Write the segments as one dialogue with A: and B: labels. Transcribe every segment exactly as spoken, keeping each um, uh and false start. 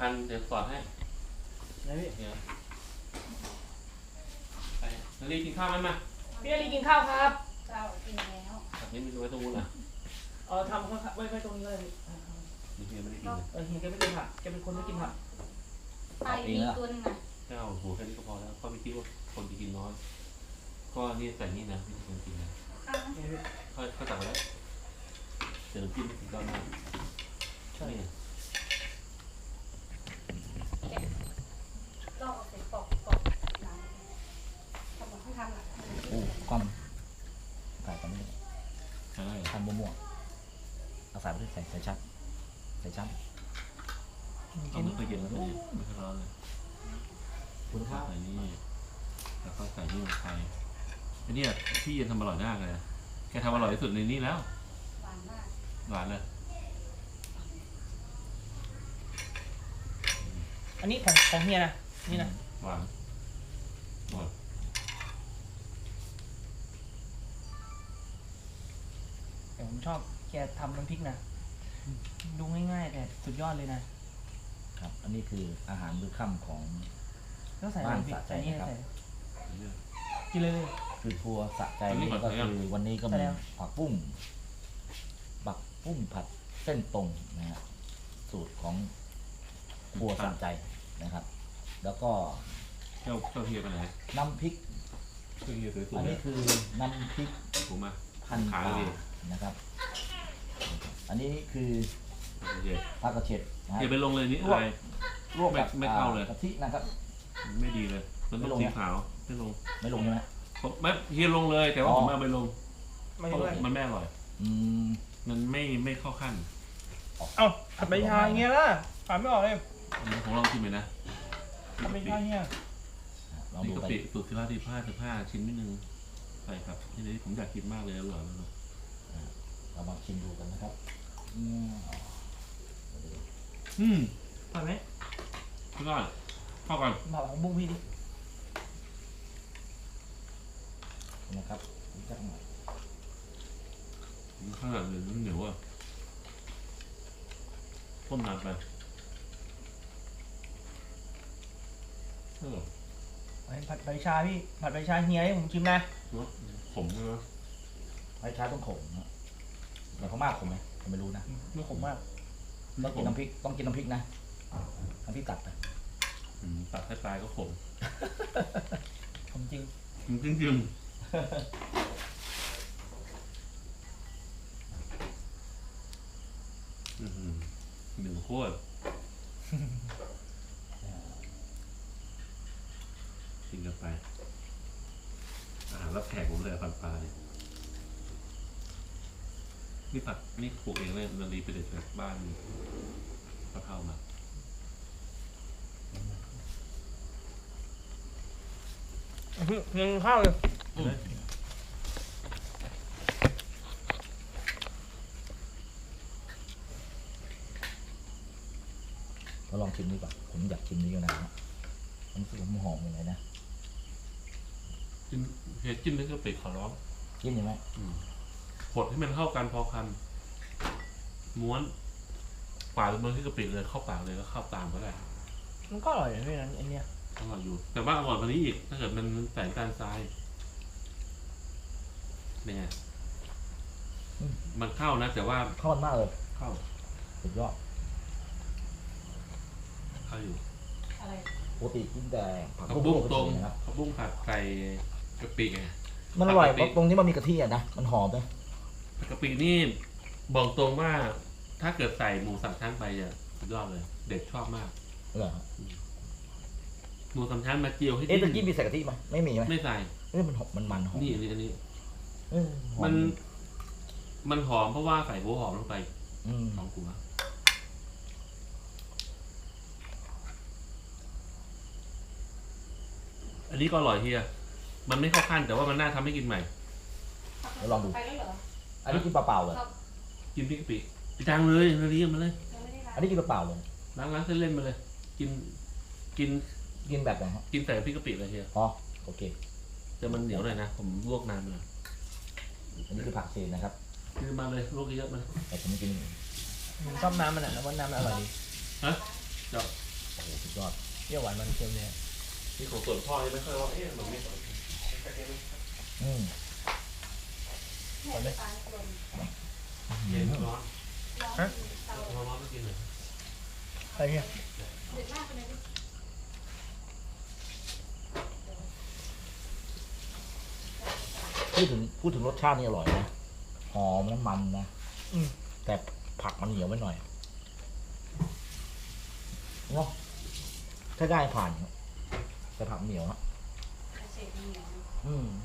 A: พันเดี๋ยวสอนให้นะพี่เดี๋ยวไปนาลีกินข้าวไหมมา
B: พี่นาลีกินข้าวครับ
C: เจ้ากินแล้ว
A: แบบนี้มีไว้ตรงนู้นเหรอ
B: เออทำเขาไว้ไว้ตรงนี้เลย
A: นี่เฮียไม่ได้กินเลย
B: เออเฮียแกไม่กินผักแกเป็นคนไม่กินผัก
C: ไปมีตัวนึงอ่ะ
A: เจ้าโหแค่นี้ก็พอแล้วก็ไม่คิดว่าคนจะกินน้อยก็นี่ใส่นี่นะไม่ใช่คนกินนะค่อยค่อยตักแล้วเดี๋ยวกินถึงตอนนั้นใช่
C: ก็เอาใส่ปอกปอกน้ำทำให้ทำอ่ะ
D: โอ้ก้อนใส่กันนี่
A: ใช่
D: ทำมั่วๆเอาใส่ไปที่ใส่ใส่ชัดใส่ชัด
A: ต้องไม่เคยเย็นแล้วเลยไม่เคยร้อนเลยคุณข้าวใส่นี่แล้วก็ใส่นี่ลงไปอันนี้พี่เย็นทำอร่อยมากเลยแกทำอร่อยที่สุดในนี้แล้ว
C: หวานมาก
A: หวานเลย
B: อันนี้ของของเฮียนะนี่นะ
A: หวานหวาน
B: แต่ผมชอบแกทำน้ำพริกนะดูง่ายๆแต่สุดยอดเลยนะครับ
D: อันนี้คืออาหารมื้อค่ำของ
B: ต้องใส่น้ำพริกใส่นี่ใส่กินเลย
D: คือครัวสะใจนี่ก็คือวันนี้ก็มีผักบุ้งบักบุ้งผัดเส้นตรงนะฮะสูตรของครัวสะใจนะครับแล้วก็
A: เจ้าเจ้าเฮียไปไหน
D: น้ำพริกอันนี้คือน้ำพริก
A: ผมมา
D: พันปลานะครับอันนี้คือผักกระเฉด
A: นะอย่าไปลงเลยนี่อะไร
D: ลวกแบบ
A: ไม่เข้าเลย
D: กะทินะครับ
A: ไม่ดีเลยมันต้องสีขาวไม่ลง
D: ไม่ลงใช่ไหม
A: ผมไม่เฮียลงเลยแต่ว่าผมเอาไปลงมันไม่อร่อยมันไม่ไม่เข้าขั้น
B: เอ้าผัดใบชาอย่างเงี้ยล่ะผัดไม่ออกเลย
A: ของเราชิมไปนะ
B: ผัดใบชาเนี่ย
A: นี่กะปิสูตรสิบห้าสิบห้าสิบห้าชิ้นนิดนึงใช่ครับที่นี้ผมอยากกินมากเลยอร่อยมาก
D: เรามาชิมดูกันนะครับ
A: อืม
B: อร่อยไหม
A: พี่ก้อนเข้ากัน
B: บอกของบุ้งพี่ดิ
D: นะครับจักหน่อย
A: ข้าวเหนียวเหนียวอ่ะต้มนานไปเออ
B: ผัดใบชาพี่ผัดใบชาเฮียให้ผมชิมนะ
A: ขมนะ
D: ใบชาต้องขมนะแต่เขามากขมไหมผมไม่รู้นะ
B: ไม่ขมมาก
D: ต้องกินน้ำพริกต้องกินน้ำพริกนะน้ำพริกตัดไป
A: ตัดให้ปลายก็ขม
B: ขมจริง
A: จริงจริงหนึ่งโคตรกินกันไปอาหารรับแขกผมเลยปันปลาเนี่ยนี่ผัดนี่ปลูกเองเลยนาลีไปเด็ดจากบ้านกระเพรามา
B: เพียงข้าวเลย
D: เราลองชิมดีกว่าผมอยากชิมนี้กันนะมันรู้สึกมันหอมอย่างไรนะ
A: จิ้มเห็ดจิ้มนี่ก็เป็ดขอร้อง
D: จิ้มยังไง
A: ผดให้มันเข้ากันพอคำม้วนปาดมันที่กระปิเลยเข้าปากเลยแล้วเข้าตามก็ได้
B: มันก็อร่อยด้วยนะไอเนี้ย
A: อร่อยอยู่แต่ว่าอร่อยกว่านี้อีกถ้าเกิดมันใส่น้ำตาลทรายเนี่ยมันเข้านะแต่ว่า
D: เข้ามากเลย
A: เข้า
D: สุดยอด
A: เข้าอยู่
C: อะไร
D: ปกติกินแต่
A: ผักบุ้งตรงผักบุ้งผัดใส่กะปิไง
D: มันอร่อยตรงที่มันมีกะทิอ่ะนะมันหอมเลย
A: กะปินี่บอกตรงว่าถ้าเกิดใส่หมูสามชั้นไปจะสุดยอดเลยเด็กชอบมาก
D: เหรอ
A: หมูสามชั้นมาเจียวให้
D: เอ๊ะตะกี้มีใส่กะทิไหมไม่มีไหม
A: ไม่ใส่
D: เอ๊ะมันหอมมันมันหอม
A: นี่อันนี้อันนี้มันมันหอมเพราะว่าใส่หัวหอมลงไปหอมกว่าอันนี้ก็อร่อยเฮียมันไม่เข้าขั้นแต่ว่ามันน่าทำให้กินใหม่
D: เดี๋ยวลองดูอันนี้กินเปล่าๆเลย
A: กินพริกกะปิไปจางเลยนาลีมาเลย
D: อันนี้กินเปล่าๆเลย
A: ล้างล้างเส้นเล่นมาเลยกินกิน
D: กินแบบไหนฮะ
A: กินแต่พริกกะปิเลยเฮีย
D: อ๋อโอเค
A: แต่มันเหนียวหน่อยนะผมลวกนานเลย
D: อันนี้คือผักเศษนะครับ
A: คือมาเลยลวกเยอะมา
D: แต่ผมกิน
B: ผมชอบน้ำมันอ่ะแล้วว่าน้ำมันอร่อยดี
A: ฮะเจ้า
B: เปรี้ยวหวานมันเค็มเนี่ย
A: นี่ของส่วนพ่อยังไม่ค่อยว่าเอ๊ะมันไม่
D: อืม
C: แม่ตาลกลม
A: เย็นร้อน
C: ร้อนเตา
A: ร้อนร้อนก็กินเลย
B: อะไรเนี่ย
C: เดือดมากไปเลยดิ
D: พูดถึงพูดถึงรสชาตินี่อร่อยนะหอมน้ำมันนะ
B: อืม
D: แต่ผักมันเหนียวไปหน่อยเนาะถ้าได้ผ่านครับแต่ผักเหนียวฮะ
C: เศษเหนียว
D: อืม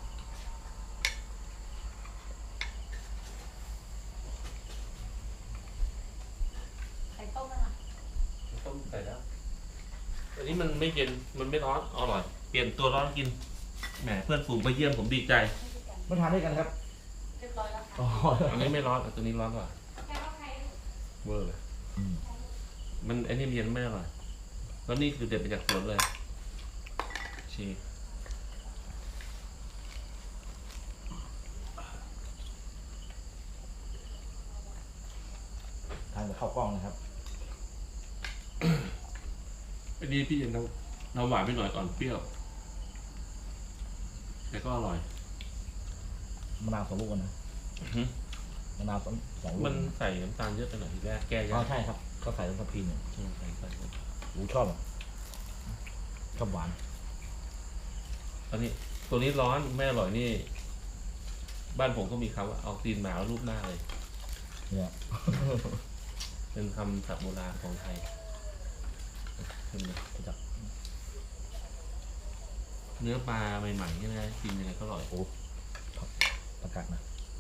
C: ไข่ต้มนั่นน่ะ
A: ต้มใส่แล้วอันนี้มันไม่เย็นมันไม่ร้อนอร่อยเปลี่ยนตัวร้อนกินแหมเพื่อนฝูงไปเยี่ยมผมดีใจ
C: ไม่ใช่กัน
D: มาทานด้วยกันครับ
C: เรียบร้อยแล้วค่ะ
D: อ๋อ
A: อันนี้ไม่ร้อนแต่ตัวนี้ร้อนกว่า
C: แค่ว่าใคร
A: เวอร์เลย
D: อืม
A: มันไอ้นี่เย็นไม่อร่อยแล้วนี่คือเด็ดมาจากสวนเลยชี
D: ทานกับข้าวกล้องนะครับ
A: อันนี้พี่ยังน้ำน้ำหวานไปหน่อยก่อนเปรี้ยวแต่ก็อร่อย
D: มะนาวสองลูกก่อนนะ
A: อื้อหือ
D: มะนาวสองสองลูก
A: มันใส่น้ำตาลเยอะไปหน่อยทีแรกแก้ยา
D: อ๋อก ใช่ครับก็ใส่ลงกระพีหนึ่ง
A: อืมใส่ใส่ใส่
D: หูชอบอ่ะชอบหวาน
A: ตอนนี้ตัวนี้ร้อนไม่อร่อยนี่ บ้านผมก็มีคำว่าเอาตีนหมารูปหน้าเลย
D: เนี่ย
A: เป็นคำศัพท์โบราณของไทยเห็นไหม
D: จับ
A: เนื้อปลาใหม่ๆใช่ไหมกินยังไงก็อร่อย
D: โอ้ประกาศนะ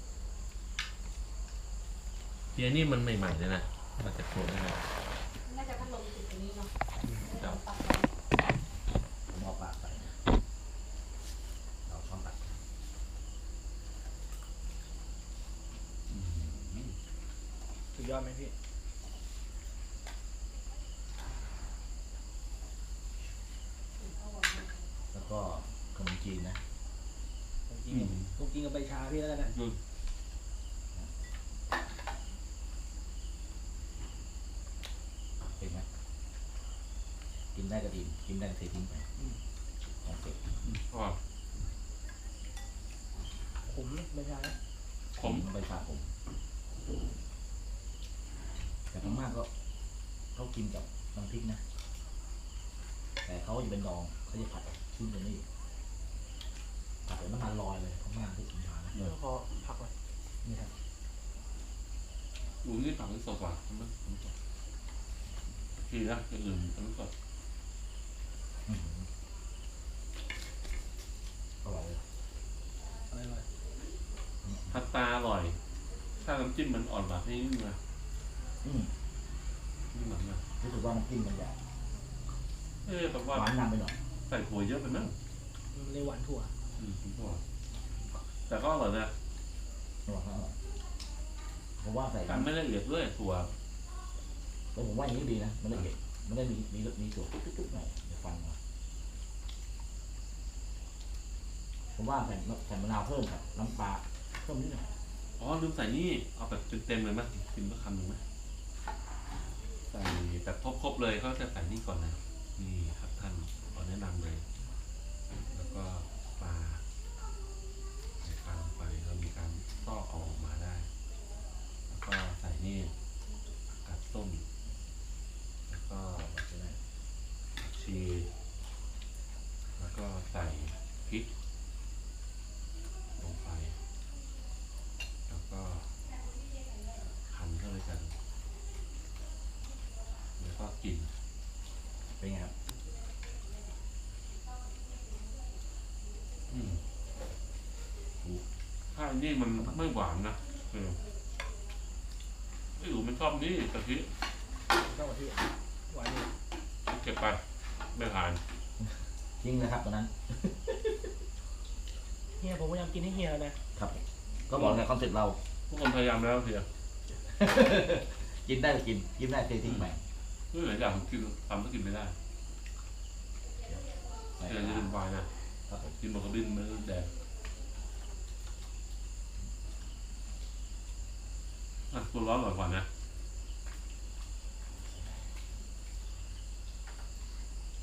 A: เทียนี่มันใหม่ๆเลยนะมาจากสวนเลยนะ
C: น่าจะพัดลมติดตรงนี้เนาะ
A: ครับ
C: ปัก
D: ผมเอาปากใส่นะเราช้อนตัก
B: สุดยอดไหมพี่
D: แล้วก็ขนมจีนนะ
B: ผมกินผมกินกับใบชาพี่แล้วกันนะ
A: ดู
D: เป็นไหมกินได้ก็ดีกินได้ก็เททิ้งไปของเสร็จ
A: อร่อย
B: ขมใบชานะ
A: ผม
D: ใบชาผมแต่พม่าก็เขากินกับน้ำพริกนะ แต่เขาจะเป็นดองเขาจะผัดขึ้นตรงนี้ผัดเป็นน้ำมันลอยเลยพม่าที่กินชานะ
B: เดี๋ยวพอผักไว้
D: นี่ครับ
A: ดูนี่ฝั่งนี้สดกว่ามันมันสดทีนะอย่างอื่นมันสด
D: อื้อหืออร่อยเลย
B: อะไรไว้
A: พัตตาอร่อย ถ้าน้ำจิ้มมันอ่อนแบบนี้นี่นะ
D: อืม
A: นี่เหมือนกัน
D: รู้สึกว่าน้ำจิ้มมันจะ
A: เอ๊ะแต่ว่า
D: หวานนำไปหน่อย
A: ใส่ถั่วเยอะไปมั้ง
B: มันเลยหวานถั่ว
A: อืมผมว่าแต่ก็อร่อยนะ
D: อร่อยครับอร่อยผมว่าใส่
A: การไม่ละเอียดด้วยถั่ว
D: แล้วผมว่าอย่างนี้ดีนะมันละเอียดมันได้มีมีมีส่วนจุ๊บๆหน่อยเดี๋ยวฟังมาผมว่าใส่ใส่มะนาวเพิ่มครับน้ำปลาเพิ่มนิดหน่อย
A: อ๋อลืมใส่นี่เอาแบบเต็มๆเลยมั้ยกินสักคำหนึ่งไหมใส่แบบครบๆเลยเขาจะใส่นี่ก่อนนะนี่ครับท่านขอแนะนำเลย แล้วก็ปลาใส่ปลาลงไปเรามีการซอกเอาออกมาได้ แล้วก็ใส่นี่กัดต้มแล้วก็ชีแล้วก็ใส่พริกลงไปแล้วก็หั่นเข้าไปกันแล้วก็กิน
D: เป็นไงครับ
A: อืมถ้าอันนี้มันไม่หวานนะเออไอ้หนูมันชอบนี่กะทิ
B: ก็ที่หวานอยู่
A: เก็บไปไม่ทาน
D: จริงนะครับตอนนั้น
B: เฮียผมพยายามกินให้เฮียแล้วนะครับ
D: ก็บอกในคอนเซ็ปต์เรา
A: ทุกคนพยายามแล้วเสีย
D: กินได้ก็กินกินไม่ได้เททิ้งไป
A: เรื่องหลายอย่างผมกินทำก็กินไม่ได้
D: ใส่
A: เดี๋ยวจะเป็นวายนะครับ
D: ผม
A: กินหมดกระบินมันแดงอ่ะตัวร้อนหน่อยก่อนนะ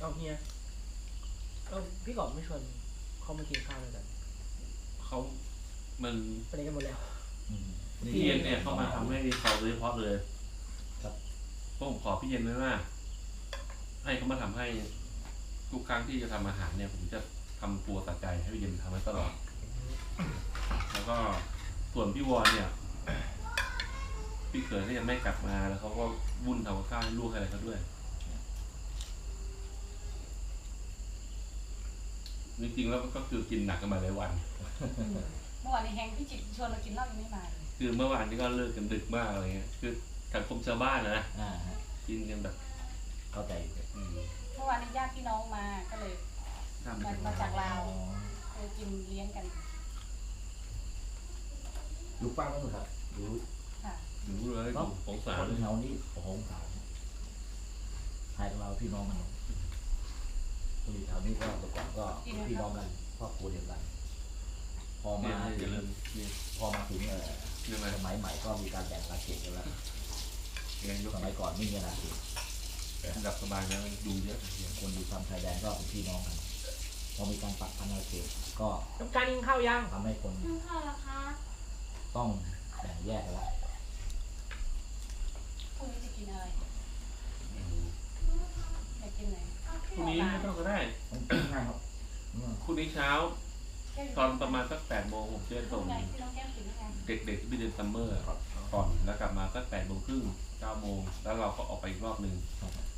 B: เอาเฮียเออพี่กอบไม่ชวนเขามากินข้าวด้วยกัน
A: เขามัน
B: ไปไหนกันหมดแล้ว
D: อืม
A: พี่เย็นเนี่ยเขามาทำให้เขาโดยเฉพาะเลย
D: ครับ
A: เพราะผมขอพี่เย็นไว้ว่าให้เขามาทำให้ทุกครั้งที่จะทำอาหารเนี่ย ผมจะทำครัวสะใจให้พี่เย็นทำให้ตลอด แล้วก็ส่วนพี่วอนเนี่ย พี่เขยก็ยังไม่กลับมาแล้วเขาก็วุ่นทำกับข้าวให้ลูกอะไรเขาด้วยจริงๆแล้วก็คือกินหนักกันมาหลายวัน
C: เมื่อวานนี้แฮงพี่จิตชวนเรากินเหล้ายังไม่มาเลย
A: คือเมื่อวานนี้ก็เลิกกันดึกมากอะไรเงี้ย คือสังคมชาวบ้านนะ
D: อ่าฮะ
A: กินกันแบบ
D: เข้าใจอยู่
A: อืม
C: เมื่อวานนี้ญาติพี่น้องมาก็เลย
A: ทำ
C: มา
A: กัน
C: มาจากลาว
D: อ๋อ
C: เลยกินเลี้ยงกัน
D: อยู่ฟังกันครับอยู่
C: ค่ะ
A: ดูเลยสงสาร
D: คน
A: เลย
D: เฮานี่โอ้โหสาวไทยกับเราพี่น้องกันคนอยู่แถวนี้ก็แต่ก่อนก็พี่น้องกันครอบครัวเดียวกัน พอ
A: เนี่
D: มาย
A: อย่าลืมนี่
D: พอมาถึงเอ่อ
A: เรื่องอะไร
D: สมัยใหม่ก็มีการแบ่งอาเขตกันแล้ว
A: แกงยก
D: สมัยก่อนไม่มีอาเขต
A: อันดับสบายนะดูเยอะเยอะ
D: คนอยู่ตามชายแดนก็เป็นพี่น้องกัน พอมีการปักพันอาเขตก็
B: ต้องการกินข้าวยัง
D: ทำให้คน
C: กินข้าวแล้วคะ
D: ต้องแบ่งแยกกันแล้ว
C: พรุ่งนี้จะกินอะไรอยากกินไหน
A: พรุ่งนี้ไม่ต้องก็ได้
D: มันกินง่ายครับอืม
A: พรุ่งนี้เช้า ตอนประมาณสักแปดโมงผมจะ
C: ตร
A: ส่
C: ง
A: ง
C: ไหนพี่น้องแก้มกินยังไง
A: เด็กๆที่ไปเรียนซัมเมอร์ก่อนแล้วกลับมาสักแปดโมงครึ่งเก้าโมงแล้วเราก็ออกไปอีกรอบหนึ่ง
D: ครับ